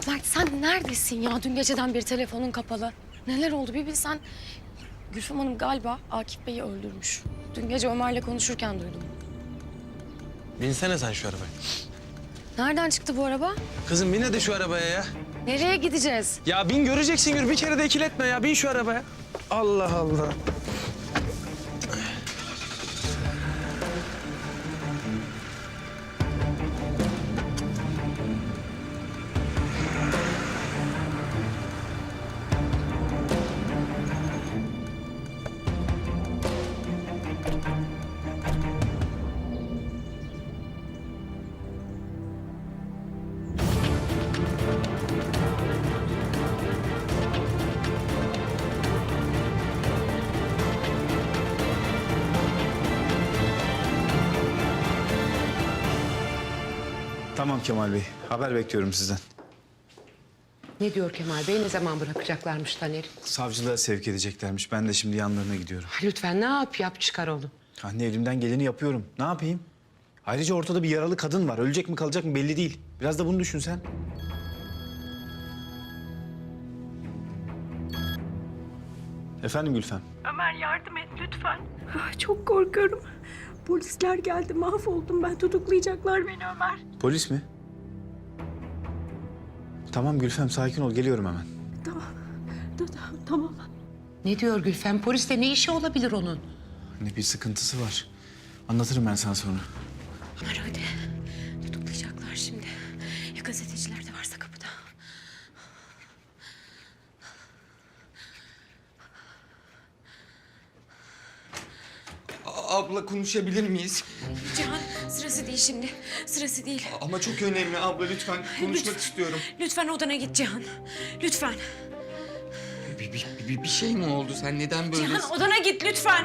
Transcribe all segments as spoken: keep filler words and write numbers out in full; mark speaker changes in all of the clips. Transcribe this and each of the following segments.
Speaker 1: Mert sen neredesin ya? Dün geceden beri telefonun kapalı. Neler oldu bir bilsen. Gülfem Hanım galiba Akif Bey'i öldürmüş. Dün gece Ömer'le konuşurken duydum.
Speaker 2: Binsene sen şu arabaya.
Speaker 1: Nereden çıktı bu araba?
Speaker 2: Kızım bin hadi şu arabaya ya.
Speaker 1: Nereye gideceğiz?
Speaker 2: Ya bin göreceksin Gül. Bir kere de ikiletme ya. Bin şu arabaya. Allah Allah.
Speaker 3: Tamam Kemal Bey. Haber bekliyorum sizden.
Speaker 4: Ne diyor Kemal Bey? Ne zaman bırakacaklarmış Taner'i?
Speaker 3: Savcılığa sevk edeceklermiş. Ben de şimdi yanlarına gidiyorum.
Speaker 4: Lütfen ne yap yap çıkar onu.
Speaker 3: Anne elimden geleni yapıyorum. Ne yapayım? Ayrıca ortada bir yaralı kadın var. Ölecek mi kalacak mı belli değil. Biraz da bunu düşün sen. Efendim Gülfem?
Speaker 5: Ömer yardım et lütfen. Ah, çok korkuyorum. Polisler geldi, mahvoldum ben. Tutuklayacaklar beni Ömer.
Speaker 3: Polis mi? Tamam Gülfem sakin ol. Geliyorum hemen.
Speaker 5: Tamam, tamam, tamam.
Speaker 4: Ne diyor Gülfem? Polisle ne işi olabilir onun?
Speaker 3: Anne bir sıkıntısı var. Anlatırım ben sana sonra.
Speaker 1: Ömer hadi. Tutuklayacaklar şimdi. Ya gazeteciler de varsa kapıda.
Speaker 6: Abla konuşabilir miyiz?
Speaker 1: Cihan sırası değil şimdi. Sırası değil.
Speaker 6: Ama çok önemli abla lütfen konuşmak
Speaker 1: Lütfen.
Speaker 6: istiyorum.
Speaker 1: Lütfen odana git Cihan. Lütfen.
Speaker 6: Bir, bir, bir, bir şey mi oldu? Sen neden böyle...
Speaker 1: Cihan odana git lütfen.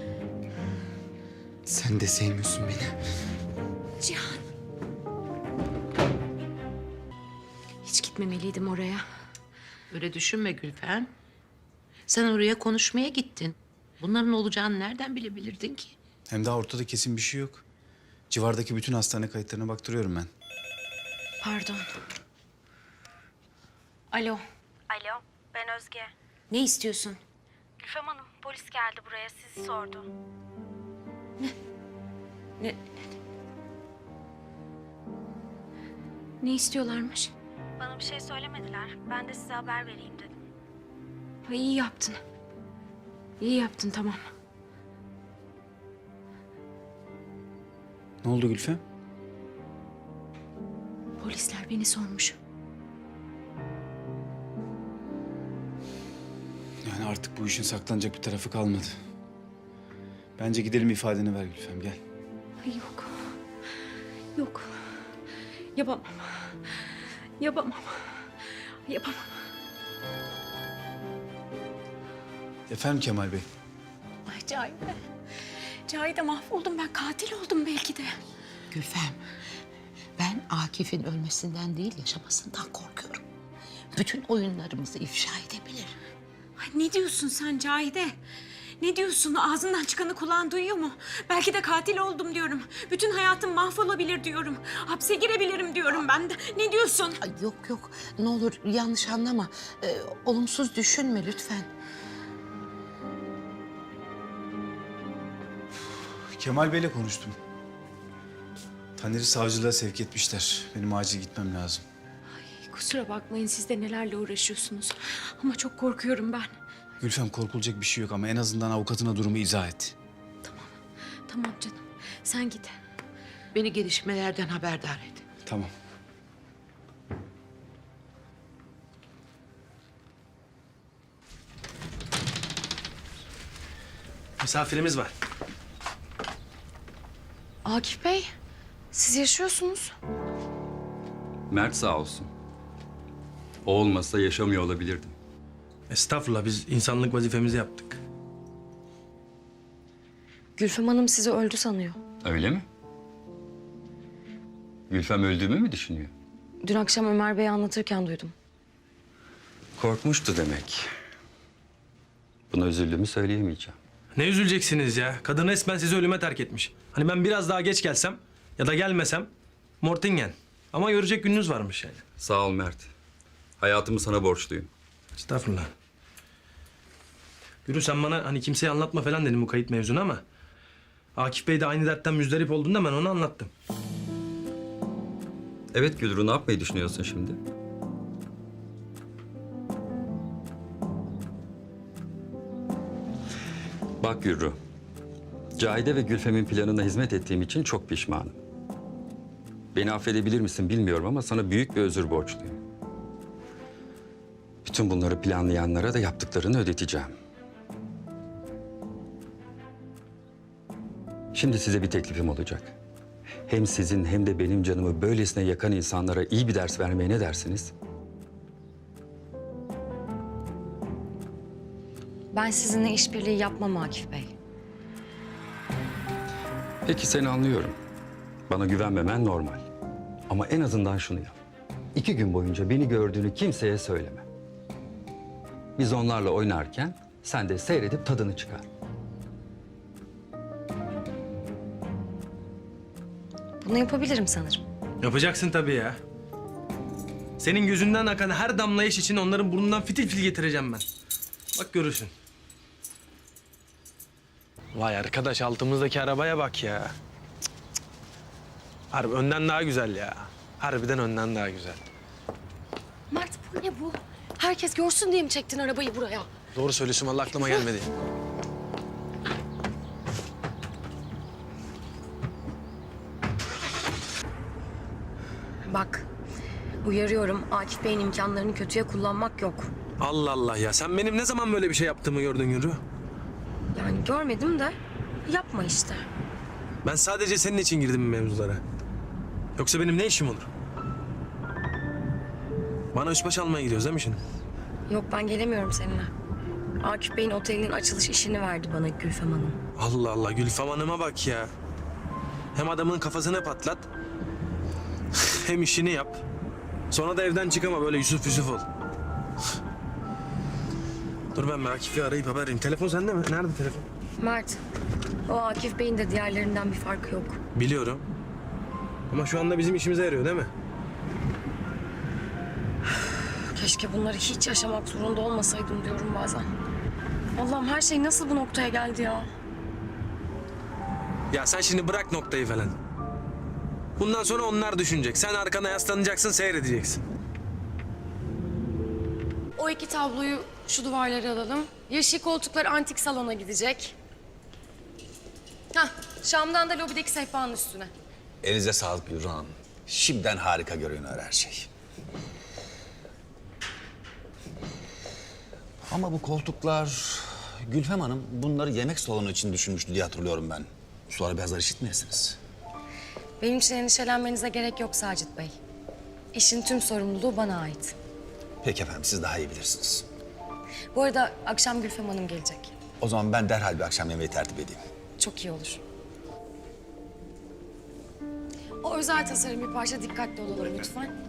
Speaker 6: Sen de sevmiyorsun beni.
Speaker 1: Cihan. Hiç gitmemeliydim oraya.
Speaker 4: Öyle düşünme Gülfem. Sen oraya konuşmaya gittin. Bunların olacağını nereden bilebilirdin ki?
Speaker 3: Hem daha ortada kesin bir şey yok. Civardaki bütün hastane kayıtlarına baktırıyorum ben.
Speaker 1: Pardon. Alo.
Speaker 7: Alo, ben Özge.
Speaker 1: Ne istiyorsun?
Speaker 7: Gülfem Hanım, polis geldi buraya, sizi sordu.
Speaker 1: Ne? Ne istiyorlarmış?
Speaker 7: Bana bir şey söylemediler, ben de size haber vereyim dedim.
Speaker 1: Ha, iyi yaptın. İyi yaptın tamam.
Speaker 3: Ne oldu Gülfem?
Speaker 1: Polisler beni sormuş.
Speaker 3: Yani artık bu işin saklanacak bir tarafı kalmadı. Bence gidelim ifadeni ver Gülfem gel.
Speaker 1: Ay yok. Yok. Yapamam. Yapamam. Yapamam.
Speaker 3: Efendim Kemal Bey.
Speaker 1: Ay Cahide. Cahide mahvoldum ben. Katil oldum belki de.
Speaker 4: Gülfem, ben Akif'in ölmesinden değil yaşamasından korkuyorum. Bütün oyunlarımızı ifşa edebilir.
Speaker 5: Ay, ne diyorsun sen Cahide? Ne diyorsun? Ağzından çıkanı kulağın duyuyor mu? Belki de katil oldum diyorum. Bütün hayatım mahvolabilir diyorum. Hapse girebilirim diyorum ben de. Ne diyorsun?
Speaker 4: Ay yok yok, ne olur yanlış anlama. Ee, olumsuz düşünme lütfen.
Speaker 3: Kemal Bey'le konuştum. Taner'i savcılığa sevk etmişler. Benim acil gitmem lazım.
Speaker 5: Kusura bakmayın, siz de nelerle uğraşıyorsunuz. Ama çok korkuyorum ben.
Speaker 3: Gülfem korkulacak bir şey yok ama en azından avukatına durumu izah et.
Speaker 5: Tamam canım, sen git.
Speaker 4: Beni gelişmelerden haberdar et.
Speaker 3: Tamam.
Speaker 2: Misafirimiz var.
Speaker 1: Akif Bey, siz yaşıyorsunuz.
Speaker 8: Mert sağ olsun. O olmasa yaşamıyor olabilirdim.
Speaker 2: Estağfurullah biz insanlık vazifemizi yaptık.
Speaker 1: Gülfem Hanım sizi öldü sanıyor.
Speaker 8: Öyle mi? Gülfem öldüğümü mü düşünüyor?
Speaker 1: Dün akşam Ömer Bey'e anlatırken duydum.
Speaker 8: Korkmuştu demek. Buna üzüldüğümü söyleyemeyeceğim.
Speaker 2: Ne üzüleceksiniz ya? Kadın resmen sizi ölüme terk etmiş. Hani ben biraz daha geç gelsem ya da gelmesem Mortingen. Ama görecek gününüz varmış yani.
Speaker 8: Sağ ol Mert. Hayatımı sana borçluyum.
Speaker 2: Estağfurullah. Gürü sen bana hani kimseye anlatma falan dedim bu kayıt mevzunu ama... Akif Bey de aynı dertten müzdarip olduğunda ben onu anlattım.
Speaker 8: Evet Gülru, ne yapmayı düşünüyorsun şimdi? Bak Gülru, Cahide ve Gülfem'in planına hizmet ettiğim için çok pişmanım. Beni affedebilir misin bilmiyorum ama sana büyük bir özür borçluyum. Bütün bunları planlayanlara da yaptıklarını ödeteceğim. Şimdi size bir teklifim olacak. Hem sizin hem de benim canımı böylesine yakan insanlara iyi bir ders vermeye ne dersiniz?
Speaker 1: Ben sizinle işbirliği yapmam Akif Bey.
Speaker 8: Peki seni anlıyorum. Bana güvenmemen normal. Ama en azından şunu yap. İki gün boyunca beni gördüğünü kimseye söyleme. Biz onlarla oynarken sen de seyredip tadını çıkar.
Speaker 1: Bunu yapabilirim sanırım.
Speaker 2: Yapacaksın tabii ya. Senin gözünden akan her damla yaş için onların burnundan fitil fitil getireceğim ben. Bak görürsün. Vay arkadaş altımızdaki arabaya bak ya. Cık, cık, cık. Harbi önden daha güzel ya. Harbiden önden daha güzel.
Speaker 1: Mert bu ne bu? Herkes görsün diye mi çektin arabayı buraya?
Speaker 2: Doğru söylüyorsun vallahi aklıma gelmedi.
Speaker 1: Bak, uyarıyorum. Akif Bey'in imkanlarını kötüye kullanmak yok.
Speaker 2: Allah Allah ya sen benim ne zaman böyle bir şey yaptığımı gördün Yürü.
Speaker 1: Yani görmedim de yapma işte.
Speaker 2: Ben sadece senin için girdim bu mevzulara. Yoksa benim ne işim olur? Bana üst baş almaya gidiyoruz değil mi şimdi?
Speaker 1: Yok ben gelemiyorum seninle. Akif Bey'in otelinin açılış işini verdi bana Gülfem Hanım.
Speaker 2: Allah Allah Gülfem Hanım'a bak ya. Hem adamın kafasını patlat. Hem işini yap. Sonra da evden çıkama böyle Yusuf Yusuf ol. Dur ben bir Akif'i arayıp haber vereyim. Telefon sende mi? Nerede telefon?
Speaker 1: Mert, o Akif Bey'in de diğerlerinden bir farkı yok.
Speaker 2: Biliyorum. Ama şu anda bizim işimize yarıyor değil mi?
Speaker 1: Keşke bunları hiç yaşamak zorunda olmasaydım diyorum bazen. Allah'ım her şey nasıl bu noktaya geldi ya?
Speaker 2: Ya sen şimdi bırak noktayı falan. Bundan sonra onlar düşünecek. Sen arkana yaslanacaksın, seyredeceksin. O iki tabloyu şu duvarlara alalım. Yeşil koltuklar antik salona gidecek. Hah, Şam'dan da lobideki sehpanın üstüne.
Speaker 9: Elinize sağlık Gülru Hanım. Şimdiden harika görünüyor her şey. Ama bu koltuklar... Gülfem Hanım bunları yemek salonu için düşünmüştü diye hatırlıyorum ben. Sonra birazlar işitmeyesiniz.
Speaker 1: Benim için endişelenmenize gerek yok Sacit Bey. İşin tüm sorumluluğu bana ait.
Speaker 9: Peki efendim, siz daha iyi bilirsiniz.
Speaker 1: Bu arada akşam Gülfem Hanım gelecek.
Speaker 9: O zaman ben derhal bir akşam yemeği tertip edeyim.
Speaker 1: Çok iyi olur. O özel tasarım bir parça dikkatli olalım lütfen.